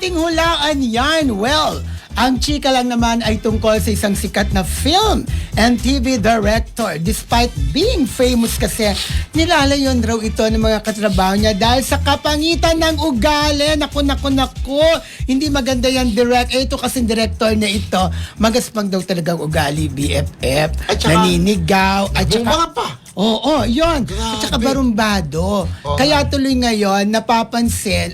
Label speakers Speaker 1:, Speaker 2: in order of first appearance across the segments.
Speaker 1: ating hulaan yan. Well, ang chika lang naman ay tungkol sa isang sikat na film and TV director. Despite being famous kasi, nilalayon raw ito ng mga katrabaho niya dahil sa kapangitan ng ugali. Naku. Hindi maganda yan, direct. Ito kasing director na ito, magaspang daw talagang ugali, BFF.
Speaker 2: At saka,
Speaker 1: naninigaw. At
Speaker 2: bumanga pa.
Speaker 1: Oo, yun. At saka barumbado. Kaya tuloy ngayon, napapansin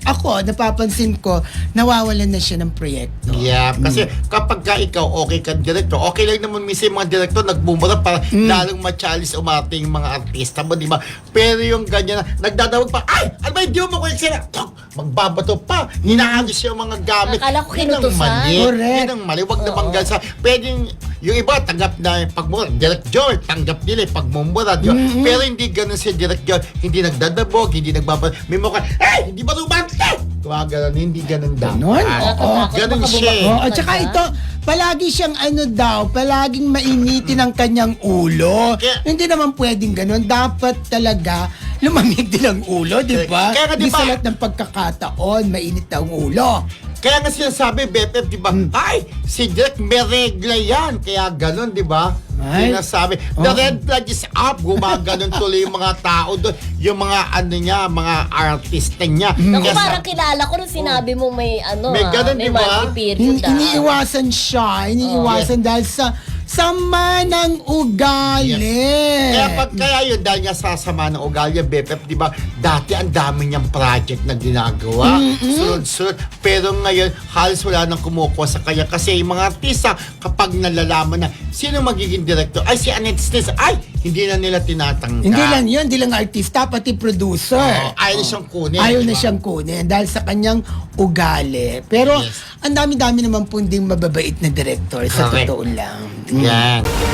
Speaker 1: ko, nawawalan na siya ng proyekto.
Speaker 2: Yeah, kasi kapag ka ikaw okay ka director, okay lang naman minsan yung mga director nagbumura para lalong ma-challenge umating yung mga artista mo, di ba? Pero yung ganyan na, nagdadawag pa, ay! Ano ba, hindi mo makuha sila? Magbabato pa. Hinaalis yung mga gamit.
Speaker 3: Akala ko
Speaker 2: Yun ang
Speaker 3: kinutusan.
Speaker 2: mali.
Speaker 1: Correct.
Speaker 2: Yun ang mali. Huwag namang gansa. Pwedeng, yung iba, tanggap na yung pagmura. Direct Joy, tanggap nila yung pagmumura. Di ba? Pero hindi ganun si Direct Joy. Hindi nagdadabog, hindi nagbabato. May mukha, hey! Hindi ba rumante? Ganun, hindi ganun daw.
Speaker 1: Ganon? Oo.
Speaker 2: Ganun siya.
Speaker 1: Oh, at saka ito, palagi siyang palaging mainitin ang kanyang ulo. Hindi naman pwedeng ganun. Dapat talaga lumamig din ang ulo, di ba?
Speaker 2: Kaya nga, di
Speaker 1: Di
Speaker 2: ba?
Speaker 1: sa lahat ng pagkakataon, mainit ang ulo.
Speaker 2: Kaya nga sinasabi, BFF, di ba? Ay, si Direk may regla yan. Kaya ganun, di ba?
Speaker 1: Ay.
Speaker 2: Sinasabi, the red flag is up. Gumaganon tuloy yung mga tao doon. Yung mga mga artista niya.
Speaker 3: Naku,
Speaker 2: Kaya
Speaker 3: parang kilala ko nung sinabi mo may
Speaker 2: May ganun,
Speaker 3: may
Speaker 2: di ba?
Speaker 3: monthly period.
Speaker 1: Iniiwasan siya. Iniiwasan dahil sa sama ng ugali.
Speaker 2: Kaya yun, dahil nga sa sama ng ugali, BFF, di ba? Dati ang dami niyang project na ginagawa. Sunod-sunod. Pero ngayon, halos wala nang kumukuha sa kanya. Kasi yung mga artista, kapag nalalaman na sino magiging director, ay si Annette Stis, ay, hindi na nila tinatanggap.
Speaker 1: Hindi lang yun, hindi lang artista, pati producer.
Speaker 2: Ayaw na siyang kunin.
Speaker 1: Ayaw
Speaker 2: di
Speaker 1: na
Speaker 2: ba?
Speaker 1: siyang kunin dahil sa kanyang ugali. Pero
Speaker 2: Yes.
Speaker 1: ang dami-dami naman po ding mababait na director sa
Speaker 2: Correct.
Speaker 1: totoo lang.
Speaker 2: Yan.